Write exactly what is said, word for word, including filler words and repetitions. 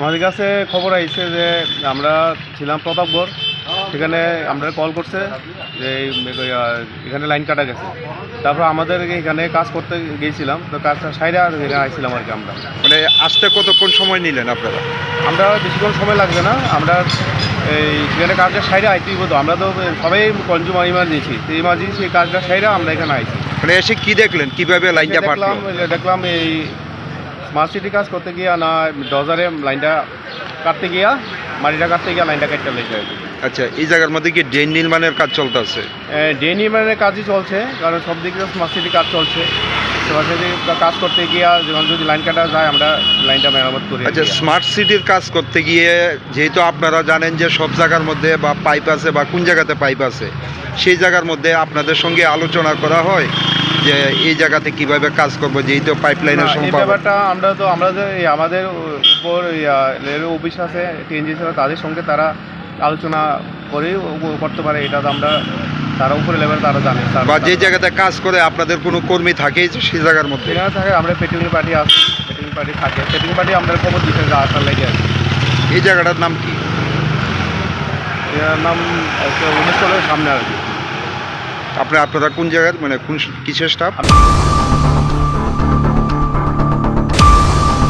আমাদের কাছে খবর আইছে যে আমরা ছিলাম প্রতাপগড়, সেখানে আমরা কল করছে যে এখানে লাইন কাটা গেছে। তারপর আমাদের এখানে কাজ করতে গিয়েছিলাম, তো কাজটা সাইডে এখানে আইছিলাম আর কি। আমরা মানে আসতে কতক্ষণ সময় নিলেন আপনারা? আমরা বেশিক্ষণ সময় লাগবে না, আমরা এই সেখানে কাজটা সাইডে আইতেই হতো। আমরা তো সবাই কনজিউমার ইমার্জেন্সি, তো ইমার্জেন্সি এই কাজটা সাইডে আমরা এখানে আইছি। মানে এসে কি দেখলেন, কিভাবে লাইনটা দেখলাম পাঠলো? দেখলাম এই স্মার্ট সিটি কাজ করতে গিয়া না ডজারে লাইনটা কাটতে গিয়া মাটিটা কাটতে গিয়া লাইনটা কাটতে লেগে যায়। আচ্ছা, এই জায়গার মধ্যে কি ড্রেন নির্মাণের কাজ চলতেছে? ডে নির্মাণের কাজই চলছে, কারণ সব দিকে স্মার্ট সিটি কাজ চলছে। স্মার্ট সিটি কাজ করতে গিয়া যখন যদি লাইন কাটা যায় আমরা লাইনটা মেরামত করি। আচ্ছা, স্মার্ট সিটির কাজ করতে গিয়ে যেহেতু আপনারা জানেন যে সব জায়গার মধ্যে বা পাইপ আছে বা কোন জায়গাতে পাইপ আছে, সেই জায়গার মধ্যে আপনাদের সঙ্গে আলোচনা করা হয় যে এই জায়গাতে কিভাবে কাজ করবো, যেহেতু পাইপ লাইনের এই সম্পর্ক। ব্যাপারটা আমরা তো আমরা যে এই আমাদের উপর রেল অফিস আছে, টিএনজি আছে, তাদের সঙ্গে তারা আলোচনা করে করতে পারে। এটা তো আমরা তারা উপরে লেভেল তারা জানে। বা যে জায়গাতে কাজ করে আপনাদের কোনো কর্মী থাকে সেই জায়গার মধ্যে? সেখানে থাকে, আমরা পেট্রোলিং পার্টি আছে, পেট্রোলিং পার্টি থাকে, পেট্রোলিং পার্টি আমাদের খবর দিতে যা আসার লেগে আছে। এই জায়গাটার নাম কি? এর নাম উনিশ সালের সামনে আর কি। আপনি আপনারা কোন জায়গার, মানে কোন কিসের স্টাফ?